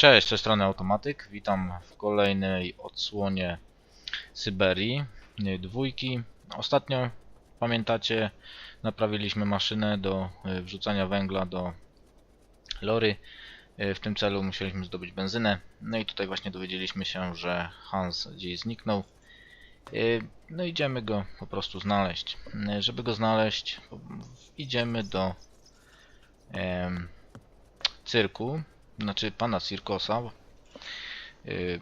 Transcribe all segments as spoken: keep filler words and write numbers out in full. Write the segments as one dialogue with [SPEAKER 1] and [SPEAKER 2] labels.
[SPEAKER 1] Cześć, z tej strony Automatyk. Witam w kolejnej odsłonie Syberii y, dwójki. Ostatnio, pamiętacie, naprawiliśmy maszynę do y, wrzucania węgla do lory. Y, W tym celu musieliśmy zdobyć benzynę. No i tutaj właśnie dowiedzieliśmy się, że Hans gdzieś zniknął. Y, No idziemy go po prostu znaleźć. Y, Żeby go znaleźć, idziemy do em, cyrku, znaczy pana Cirkosa. Yy,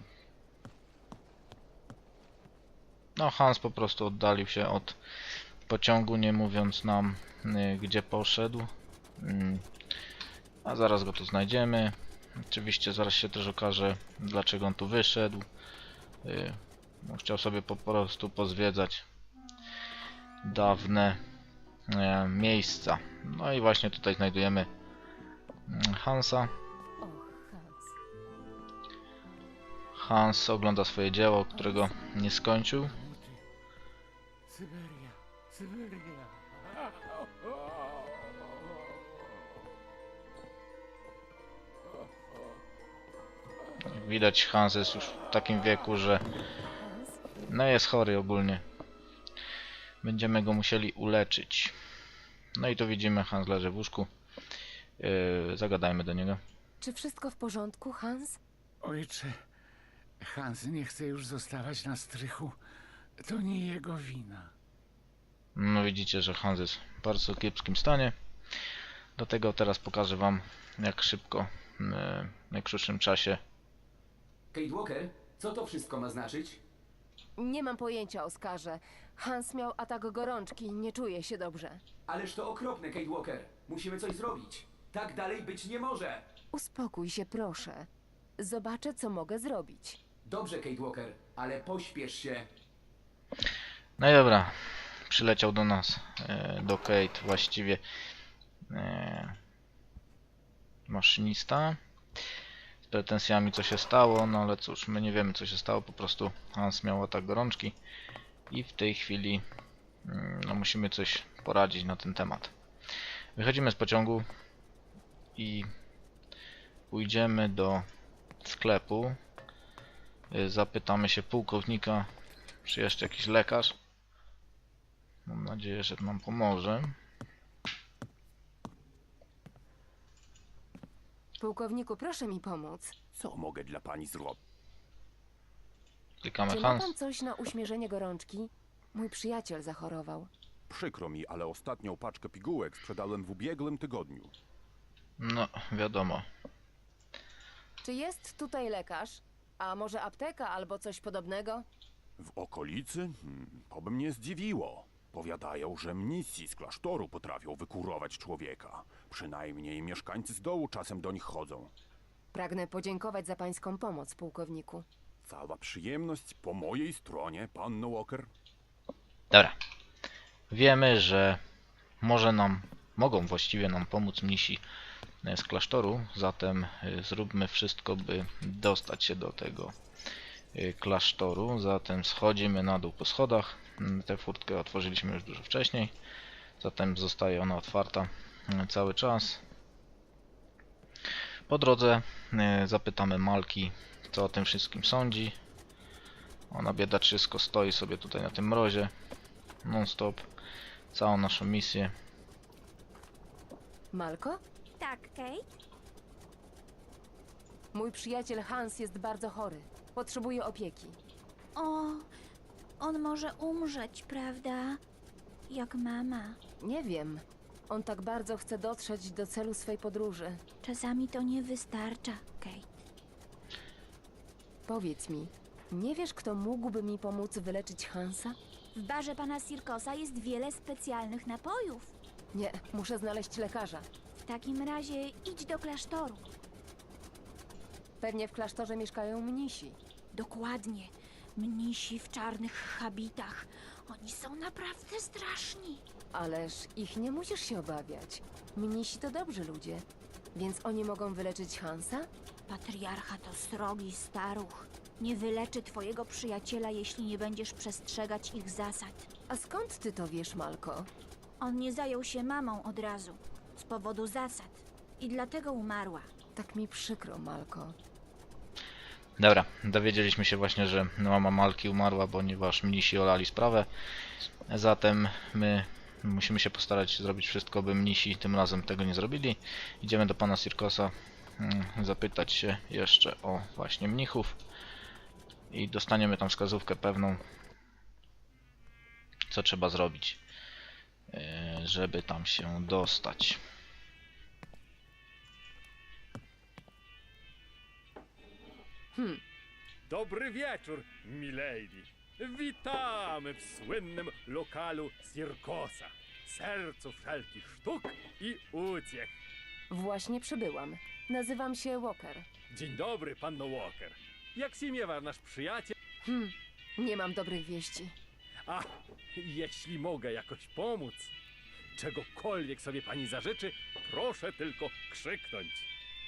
[SPEAKER 1] No, Hans po prostu oddalił się od pociągu, nie mówiąc nam, yy, gdzie poszedł. Yy, A zaraz go tu znajdziemy. Oczywiście zaraz się też okaże, dlaczego on tu wyszedł. Yy, no, Chciał sobie po prostu pozwiedzać dawne yy, miejsca. No i właśnie tutaj znajdujemy yy, Hansa. Hans ogląda swoje dzieło, którego nie skończył.
[SPEAKER 2] Syberia, Syberia.
[SPEAKER 1] Jak widać, Hans jest już w takim wieku, że no jest chory ogólnie. Będziemy go musieli uleczyć. No i tu widzimy, Hans leży w łóżku. Yy, zagadajmy do niego.
[SPEAKER 3] Czy wszystko w porządku, Hans?
[SPEAKER 2] Ojcze, Hans nie chce już zostawać na strychu. To nie jego wina.
[SPEAKER 1] No widzicie, że Hans jest w bardzo kiepskim stanie. Dlatego teraz pokażę wam, jak szybko, yy, w najkrótszym czasie.
[SPEAKER 4] Kate Walker, co to wszystko ma znaczyć?
[SPEAKER 3] Nie mam pojęcia, Oskarze. Hans miał atak gorączki, nie czuje się dobrze.
[SPEAKER 4] Ależ to okropne, Kate Walker. Musimy coś zrobić. Tak dalej być nie może.
[SPEAKER 3] Uspokój się, proszę. Zobaczę, co mogę zrobić.
[SPEAKER 4] Dobrze, Kate Walker, ale pośpiesz się.
[SPEAKER 1] No i dobra, przyleciał do nas, yy, do Kate właściwie yy, maszynista. Z pretensjami, co się stało, no ale cóż, my nie wiemy, co się stało, po prostu Hans miał atak gorączki i w tej chwili yy, no, musimy coś poradzić na ten temat. Wychodzimy z pociągu i pójdziemy do sklepu. Yy, Zapytamy się pułkownika, czy jeszcze jakiś lekarz. Mam nadzieję, że nam pomoże.
[SPEAKER 3] Pułkowniku, proszę mi pomóc.
[SPEAKER 5] Co mogę dla pani zrobić?
[SPEAKER 1] Klikamy
[SPEAKER 3] Czy ma pan
[SPEAKER 1] Hans.
[SPEAKER 3] coś na uśmierzenie gorączki? Mój przyjaciel zachorował.
[SPEAKER 5] Przykro mi, ale ostatnią paczkę pigułek sprzedałem w ubiegłym tygodniu.
[SPEAKER 1] No, wiadomo.
[SPEAKER 3] Czy jest tutaj lekarz? A może apteka albo coś podobnego?
[SPEAKER 5] W okolicy? Hmm, to by mnie zdziwiło. Powiadają, że mnisi z klasztoru potrafią wykurować człowieka. Przynajmniej mieszkańcy z dołu czasem do nich chodzą.
[SPEAKER 3] Pragnę podziękować za pańską pomoc, pułkowniku.
[SPEAKER 5] Cała przyjemność po mojej stronie, panno Walker.
[SPEAKER 1] Dobra. Wiemy, że może nam, mogą właściwie nam pomóc mnisi z klasztoru, zatem y, zróbmy wszystko, by dostać się do tego y, klasztoru. Zatem schodzimy na dół po schodach. Mm, Tę furtkę otworzyliśmy już dużo wcześniej, zatem zostaje ona otwarta y, cały czas. Po drodze y, zapytamy Malki, co o tym wszystkim sądzi. Ona biedaczysko stoi sobie tutaj na tym mrozie non stop całą naszą misję.
[SPEAKER 3] Malko?
[SPEAKER 6] Tak, Kate?
[SPEAKER 3] Mój przyjaciel Hans jest bardzo chory. Potrzebuje opieki.
[SPEAKER 6] O, on może umrzeć, prawda? Jak mama.
[SPEAKER 3] Nie wiem. On tak bardzo chce dotrzeć do celu swej podróży.
[SPEAKER 6] Czasami to nie wystarcza, Kate.
[SPEAKER 3] Powiedz mi, nie wiesz, kto mógłby mi pomóc wyleczyć Hansa?
[SPEAKER 6] W barze pana Cirkosa jest wiele specjalnych napojów.
[SPEAKER 3] Nie, muszę znaleźć lekarza.
[SPEAKER 6] W takim razie idź do klasztoru.
[SPEAKER 3] Pewnie w klasztorze mieszkają mnisi.
[SPEAKER 6] Dokładnie. Mnisi w czarnych habitach. Oni są naprawdę straszni.
[SPEAKER 3] Ależ ich nie musisz się obawiać. Mnisi to dobrzy ludzie. Więc oni mogą wyleczyć Hansa?
[SPEAKER 6] Patriarcha to srogi staruch. Nie wyleczy twojego przyjaciela, jeśli nie będziesz przestrzegać ich zasad.
[SPEAKER 3] A skąd ty to wiesz, Malko?
[SPEAKER 6] On nie zajął się mamą od razu. Z powodu zasad. I dlatego umarła.
[SPEAKER 3] Tak mi przykro, Malko.
[SPEAKER 1] Dobra, dowiedzieliśmy się właśnie, że mama Malki umarła, ponieważ mnisi olali sprawę. Zatem my musimy się postarać zrobić wszystko, by mnisi tym razem tego nie zrobili. Idziemy do pana Sirkosa, mm, zapytać się jeszcze o właśnie mnichów i dostaniemy tam wskazówkę pewną, co trzeba zrobić, yy, żeby tam się dostać.
[SPEAKER 3] Hmm,
[SPEAKER 7] Dobry wieczór, milady. Witamy w słynnym lokalu Sirkosa, sercu wszelkich sztuk i uciech.
[SPEAKER 3] właśnie przybyłam. Nazywam się Walker.
[SPEAKER 7] Dzień dobry, panno Walker. Jak się miewa nasz przyjaciel?
[SPEAKER 3] Hmm, nie mam dobrych wieści.
[SPEAKER 7] A, jeśli mogę jakoś pomóc, czegokolwiek sobie pani zażyczy, proszę tylko krzyknąć.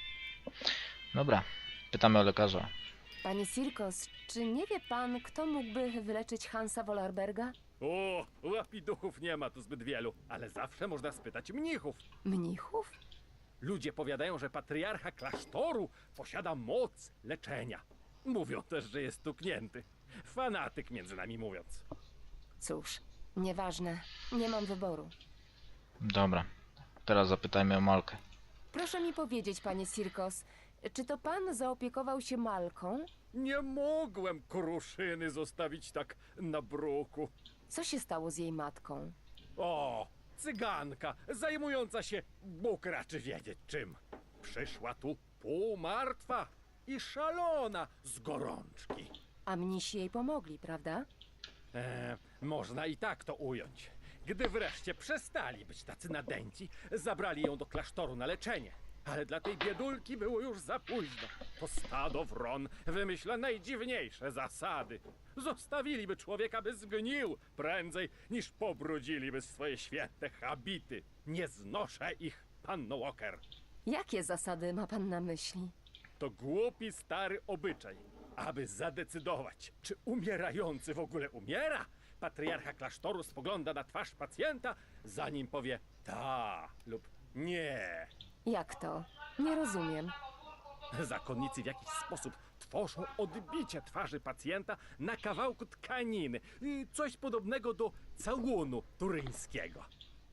[SPEAKER 1] Dobra, pytamy o lekarza.
[SPEAKER 3] Panie Sirkos, czy nie wie pan, kto mógłby wyleczyć Hansa Wollerberga?
[SPEAKER 7] O, łapiduchów nie ma tu zbyt wielu, ale zawsze można spytać mnichów.
[SPEAKER 3] Mnichów?
[SPEAKER 7] Ludzie powiadają, że patriarcha klasztoru posiada moc leczenia. Mówią też, że jest stuknięty. Fanatyk, między nami mówiąc.
[SPEAKER 3] Cóż, nieważne. Nie mam wyboru.
[SPEAKER 1] Dobra, teraz zapytajmy o Malkę.
[SPEAKER 3] Proszę mi powiedzieć, panie Sirkos, czy to pan zaopiekował się Malką?
[SPEAKER 7] Nie mogłem kruszyny zostawić tak na bruku.
[SPEAKER 3] Co się stało z jej matką?
[SPEAKER 7] O, cyganka, zajmująca się, Bóg raczy wiedzieć czym. Przyszła tu półmartwa i szalona z gorączki.
[SPEAKER 3] A mnisi jej pomogli, prawda?
[SPEAKER 7] E, można i tak to ująć. Gdy wreszcie przestali być tacy nadęci, zabrali ją do klasztoru na leczenie. Ale dla tej biedulki było już za późno. To stado wron wymyśla najdziwniejsze zasady. Zostawiliby człowieka, by zgnił prędzej, niż pobrudziliby swoje święte habity. Nie znoszę ich, panno Walker.
[SPEAKER 3] Jakie zasady ma pan na myśli?
[SPEAKER 7] To głupi stary obyczaj. Aby zadecydować, czy umierający w ogóle umiera, patriarcha klasztoru spogląda na twarz pacjenta, zanim powie ta lub nie.
[SPEAKER 3] Jak to? Nie rozumiem.
[SPEAKER 7] Zakonnicy w jakiś sposób tworzą odbicie twarzy pacjenta na kawałku tkaniny. Y, Coś podobnego do całunu turyńskiego.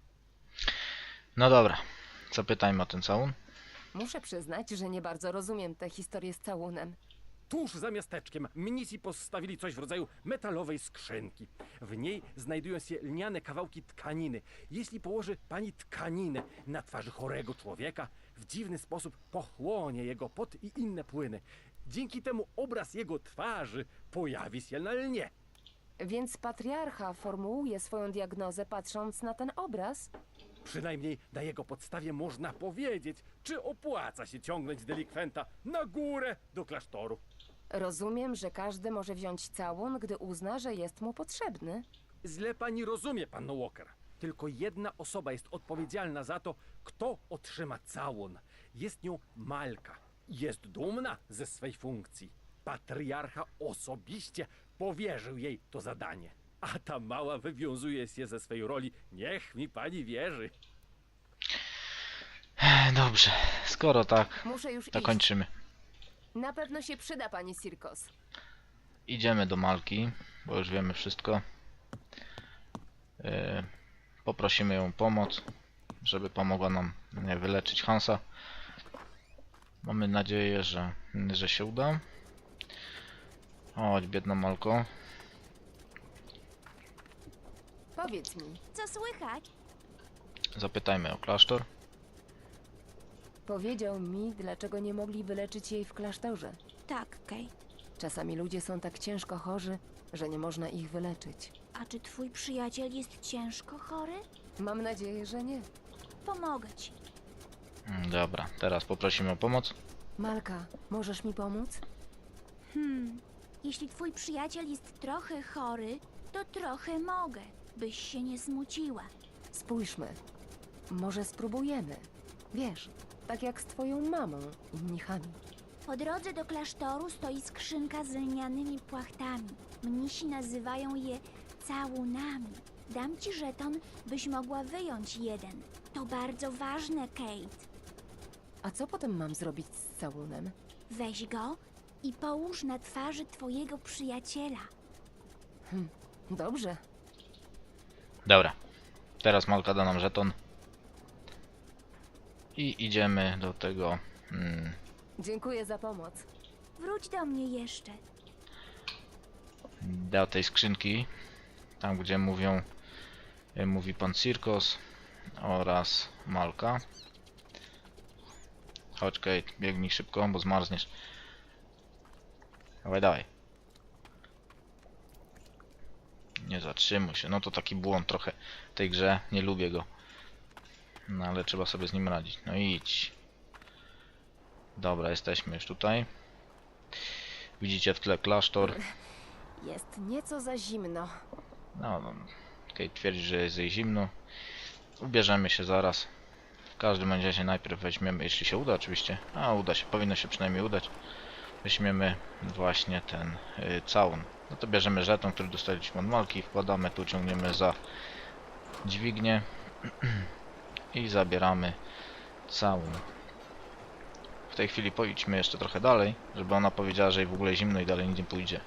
[SPEAKER 1] No dobra, zapytajmy o ten całun.
[SPEAKER 3] Muszę przyznać, że nie bardzo rozumiem tę historię z całunem.
[SPEAKER 7] Tuż za miasteczkiem mnisi postawili coś w rodzaju metalowej skrzynki. W niej znajdują się lniane kawałki tkaniny. Jeśli położy pani tkaninę na twarzy chorego człowieka, w dziwny sposób pochłonie jego pot i inne płyny. Dzięki temu obraz jego twarzy pojawi się na lnie.
[SPEAKER 3] Więc patriarcha formułuje swoją diagnozę patrząc na ten obraz?
[SPEAKER 7] Przynajmniej na jego podstawie można powiedzieć, czy opłaca się ciągnąć delikwenta na górę do klasztoru.
[SPEAKER 3] Rozumiem, że każdy może wziąć całun, gdy uzna, że jest mu potrzebny.
[SPEAKER 7] Źle pani rozumie, panno Walker. Tylko jedna osoba jest odpowiedzialna za to, kto otrzyma całun. Jest nią Malka. Jest dumna ze swej funkcji. Patriarcha osobiście powierzył jej to zadanie. A ta mała wywiązuje się ze swej roli. Niech mi pani wierzy.
[SPEAKER 1] Dobrze, skoro tak,
[SPEAKER 3] Muszę już
[SPEAKER 1] to
[SPEAKER 3] iść.
[SPEAKER 1] kończymy.
[SPEAKER 3] Na pewno się przyda, panie Sirkos.
[SPEAKER 1] Idziemy do Malki, bo już wiemy wszystko. Yy, poprosimy ją o pomoc, żeby pomogła nam nie, wyleczyć Hansa. Mamy nadzieję, że, że się uda. Chodź, biedna Malko.
[SPEAKER 3] Powiedz mi,
[SPEAKER 6] Co słychać?
[SPEAKER 1] Zapytajmy o klasztor.
[SPEAKER 3] powiedział mi, dlaczego nie mogli wyleczyć jej w klasztorze.
[SPEAKER 6] Tak, Kate.
[SPEAKER 3] Czasami ludzie są tak ciężko chorzy, że nie można ich wyleczyć.
[SPEAKER 6] A czy twój przyjaciel jest ciężko chory?
[SPEAKER 3] Mam nadzieję, że nie.
[SPEAKER 6] Pomogę ci.
[SPEAKER 1] Mm, Dobra, teraz poprosimy o pomoc.
[SPEAKER 3] Malka, możesz mi pomóc?
[SPEAKER 6] Hmm, jeśli twój przyjaciel jest trochę chory, to trochę mogę, byś się nie smuciła.
[SPEAKER 3] Spójrzmy. Może spróbujemy. Wiesz, tak jak z twoją mamą i mnichami.
[SPEAKER 6] Po drodze do klasztoru stoi skrzynka z lnianymi płachtami. Mnisi nazywają je całunami. Dam ci żeton, byś mogła wyjąć jeden. To bardzo ważne, Kate.
[SPEAKER 3] A co potem mam zrobić z całunem?
[SPEAKER 6] Weź go i połóż na twarzy twojego przyjaciela.
[SPEAKER 3] Dobrze.
[SPEAKER 1] Dobra. Teraz Malka da nam żeton. I idziemy do tego... Mm,
[SPEAKER 3] Dziękuję za pomoc.
[SPEAKER 6] Wróć do mnie jeszcze.
[SPEAKER 1] do tej skrzynki. Tam gdzie mówią... y, Mówi pan Cirkos oraz Malka. Chodź Kate, biegnij szybko, bo zmarzniesz. Dawaj, dawaj. Nie zatrzymuj się. No to taki błąd trochę w tej grze. Nie lubię go. No ale trzeba sobie z nim radzić. No idź. Dobra, jesteśmy już tutaj. Widzicie w tle klasztor.
[SPEAKER 3] Jest nieco za zimno.
[SPEAKER 1] No, no. Kate twierdzi, że jest jej zimno. Ubierzemy się zaraz. W każdym razie najpierw weźmiemy, jeśli się uda oczywiście. A uda się, powinno się przynajmniej udać. Weźmiemy właśnie ten y, całun. No to bierzemy żeton, który dostaliśmy od Malki, wkładamy tu, ciągniemy za dźwignię i zabieramy całun. W tej chwili pojdźmy jeszcze trochę dalej, żeby ona powiedziała, że jej w ogóle zimno i dalej nie pójdzie.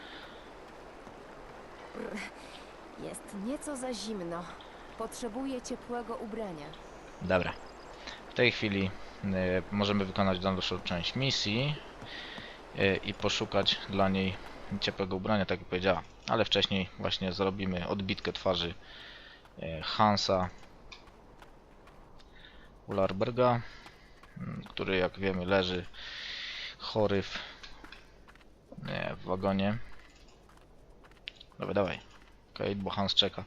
[SPEAKER 3] Jest nieco za zimno. Potrzebuję ciepłego ubrania.
[SPEAKER 1] Dobra. W tej chwili y, możemy wykonać dalszą część misji y, i poszukać dla niej ciepłego ubrania, tak jak powiedziała. Ale wcześniej właśnie zrobimy odbitkę twarzy y, Hansa Ularberga, y, który jak wiemy leży chory w, nie, w wagonie. Dawaj, dawaj. Okej, bo Hans czeka.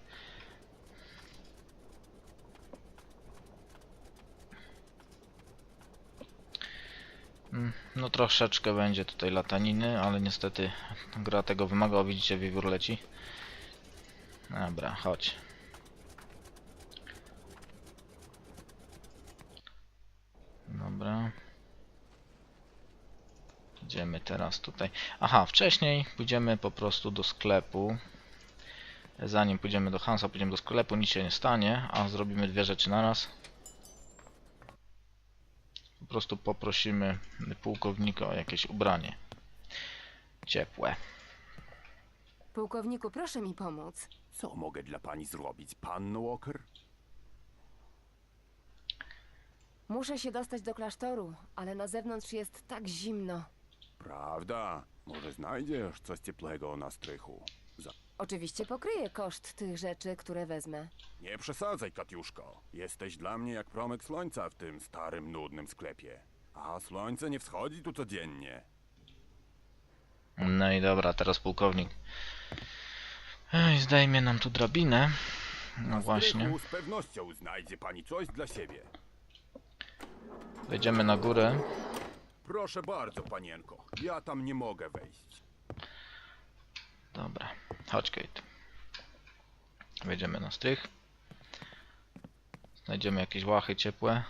[SPEAKER 1] No troszeczkę będzie tutaj lataniny, ale niestety gra tego wymaga. O, widzicie, wiewiór leci. Dobra, chodź. Dobra. Idziemy teraz tutaj. Aha, wcześniej pójdziemy po prostu do sklepu. Zanim pójdziemy do Hansa, pójdziemy do sklepu, nic się nie stanie, a zrobimy dwie rzeczy naraz. Po prostu poprosimy pułkownika o jakieś ubranie ciepłe.
[SPEAKER 3] Pułkowniku, proszę mi pomóc.
[SPEAKER 5] Co mogę dla pani zrobić, panno Walker?
[SPEAKER 3] Muszę się dostać do klasztoru, ale na zewnątrz jest tak zimno.
[SPEAKER 5] Prawda? Może znajdziesz coś cieplego na strychu? Za...
[SPEAKER 3] Oczywiście pokryję koszt tych rzeczy, które wezmę.
[SPEAKER 5] Nie przesadzaj, Katiuszko. Jesteś dla mnie jak promyk słońca w tym starym, nudnym sklepie. A słońce nie wschodzi tu codziennie.
[SPEAKER 1] No i dobra, teraz pułkownik. Ej, zdejmie nam tu drabinę. No
[SPEAKER 5] Na
[SPEAKER 1] właśnie.
[SPEAKER 5] strychu z pewnością znajdzie pani coś dla siebie.
[SPEAKER 1] Wejdziemy na górę.
[SPEAKER 5] Proszę bardzo, panienko. Ja tam nie mogę wejść.
[SPEAKER 1] Dobra, chodź Kate. Wejdziemy na strych. Znajdziemy jakieś łachy ciepłe.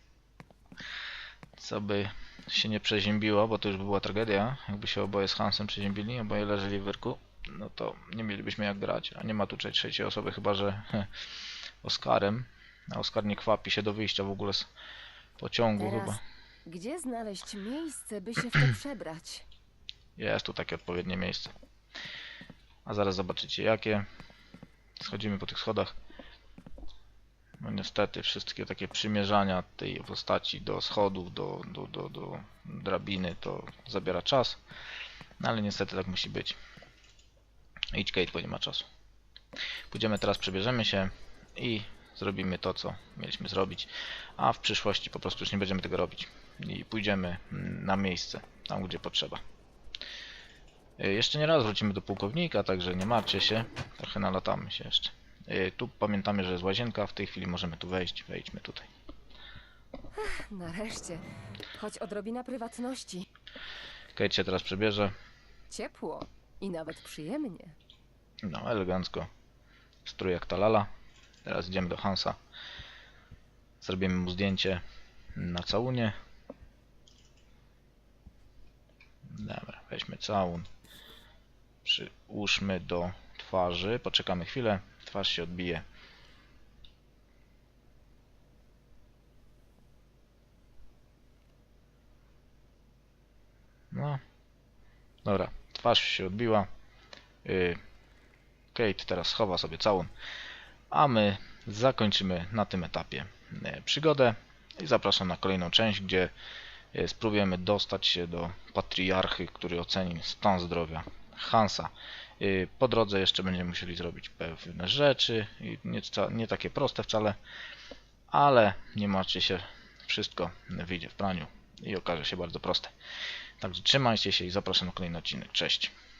[SPEAKER 1] Co by się nie przeziębiło, bo to już by była tragedia. Jakby się oboje z Hansem przeziębili, oboje leżeli w wyrku, no to nie mielibyśmy jak grać. A nie ma tu trzeciej osoby, chyba że Oskarem. A Oskar nie kwapi się do wyjścia w ogóle z pociągu
[SPEAKER 3] Teraz,
[SPEAKER 1] chyba.
[SPEAKER 3] gdzie znaleźć miejsce, by się w to przebrać?
[SPEAKER 1] Jest tu takie odpowiednie miejsce. A zaraz zobaczycie jakie. Schodzimy po tych schodach. No niestety wszystkie takie przymierzania tej postaci do schodów, do, do, do, do drabiny to zabiera czas. No ale niestety tak musi być. Idź Kate, bo nie ma czasu. Pójdziemy teraz, przebierzemy się i zrobimy to, co mieliśmy zrobić. A w przyszłości po prostu już nie będziemy tego robić. I pójdziemy na miejsce, tam gdzie potrzeba. Jeszcze nie raz wrócimy do pułkownika, także nie martwcie się. Trochę nalatamy się jeszcze. Tu pamiętamy, że jest łazienka, w tej chwili możemy tu wejść. Wejdźmy tutaj.
[SPEAKER 3] Nareszcie. Choć odrobina prywatności.
[SPEAKER 1] Kate się teraz przebierze.
[SPEAKER 3] Ciepło i nawet przyjemnie.
[SPEAKER 1] No, elegancko. Strój jak ta lala. Teraz idziemy do Hansa. Zrobimy mu zdjęcie na całunie. Dobra, weźmy całun. Przyłóżmy do twarzy. Poczekamy chwilę. Twarz się odbije. No. Dobra, twarz się odbiła. Yy, Kate teraz schowa sobie całun. A my zakończymy na tym etapie yy, przygodę i zapraszam na kolejną część, gdzie yy, spróbujemy dostać się do patriarchy, który oceni stan zdrowia Hansa. Yy, po drodze jeszcze będziemy musieli zrobić pewne rzeczy, i nie, nie takie proste wcale, ale nie martwcie się, wszystko wyjdzie w praniu i okaże się bardzo proste. Także trzymajcie się i zapraszam na kolejny odcinek. Cześć!